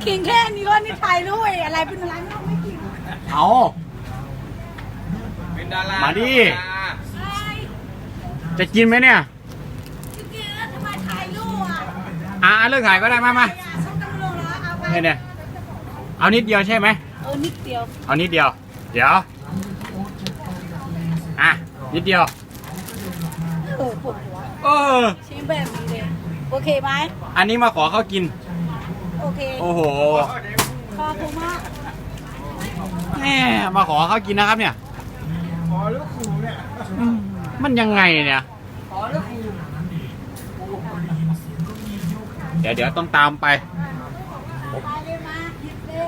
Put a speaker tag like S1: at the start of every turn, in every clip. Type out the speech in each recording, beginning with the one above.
S1: กินแค่นี้ก็นี่ถ่ายรูปอะไรเป็นอะไรไม่กิน
S2: เอา
S3: เป็นดารา
S2: มาดิ
S1: ใช่
S2: จะกินไหมเนี่ย
S1: กินแล้วทำไมถ่ายรูปอ่ะ
S2: เลิกถ่ายก็ได้มา
S1: ส้มตำรวจแล้วเอาไป
S2: เนี่ยเอานิดเดียวใช่ไหม
S1: นิดเดียว
S2: เอานิดเดียว เดี๋ยวนิดเดียว
S1: ปวดหัว
S2: เออ
S1: ชิ้นแบบนี้เลยโอเคไหม
S2: อันนี้มาขอเขากิน
S1: โอเค
S2: โอ้โห
S1: ขอบคุณมาก
S2: แม่มาขอเขากินนะครับเนี่ย
S3: ขอลูกขู่เนี่ย
S2: มันยังไงเนี่ย
S3: ขอลูกขู่
S2: เดี๋ยวต้องตามไป
S1: ไปเลยมาหยิบเลย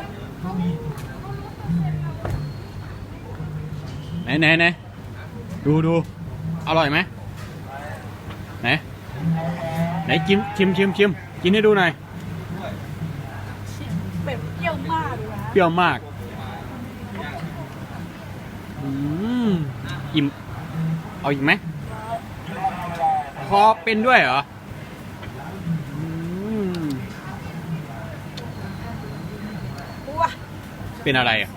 S2: ไหนดูอร่อยไหมไหนชิมกินให้ดูหน่อย
S1: แบบเปรี้ยวมากเลยนะ
S2: เปรี้ยวมากอิ่มเอาอีกไหมคอเป็นด้วยเหรอม
S1: ว้า
S2: เป็นอะไรอ่ะ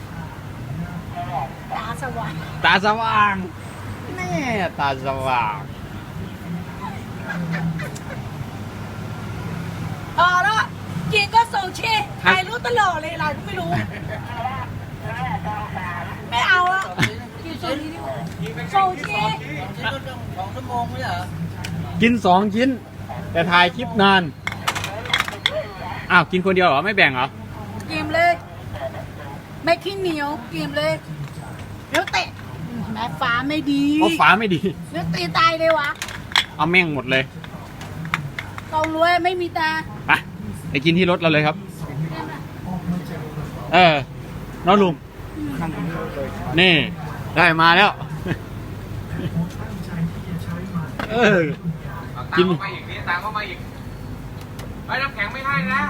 S1: ตาสว่าง
S2: ตาสว่างแน่ตาสว่าง
S1: แล้วกินก็ส่งเช่ถ่ายรูปตลอดเลยอะไรก็ไม่รู้ ไม่เอาอะกินส่งนี้ดีกว่าส่งเช่
S3: ชิ้นก็ต้อง2 ชั่วโมงไม่ใช่เหรอ
S2: กิน2 ชิ้น แต่ถ่ายคลิปนานกินคนเดียวเหรอไม่แบ่งเหรอ
S1: กินเลยไม่ขี้เหนียวกินเลยเดี๋ยวเตะแม่ฟ้าไม่ดี
S2: เพราะฝาไม่ดี
S1: เดี๋ยวตีตายเลยวะ
S2: เอาแม่งหมดเลย
S1: ต้องรวยไม่มีตา
S2: ไปกินที่รถเราเลยครับ น้องลุงนี่ได้มาแล้ว
S3: ตามเข้ามาอีกนี่ตามเข้ามาอีกไอ้น้ำแข็งไม่ให้นะ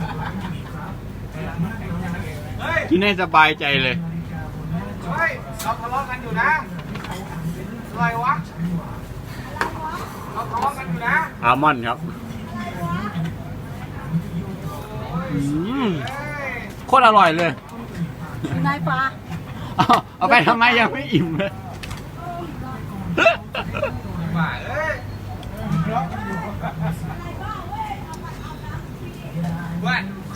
S3: เฮ้ย
S2: กินให้สบายใจเลย
S3: เฮ้ย เราทะเลาะกันอยู่นะอะไรวะ เราทะเลาะกันอยู่นะ
S2: อัลมอนด์ครับโคตรอร่อยเลย
S1: นายฟ้า
S2: เอาไปทำไมยังไม่อิ่มเลย
S3: บ้าเอ้ยเว้ย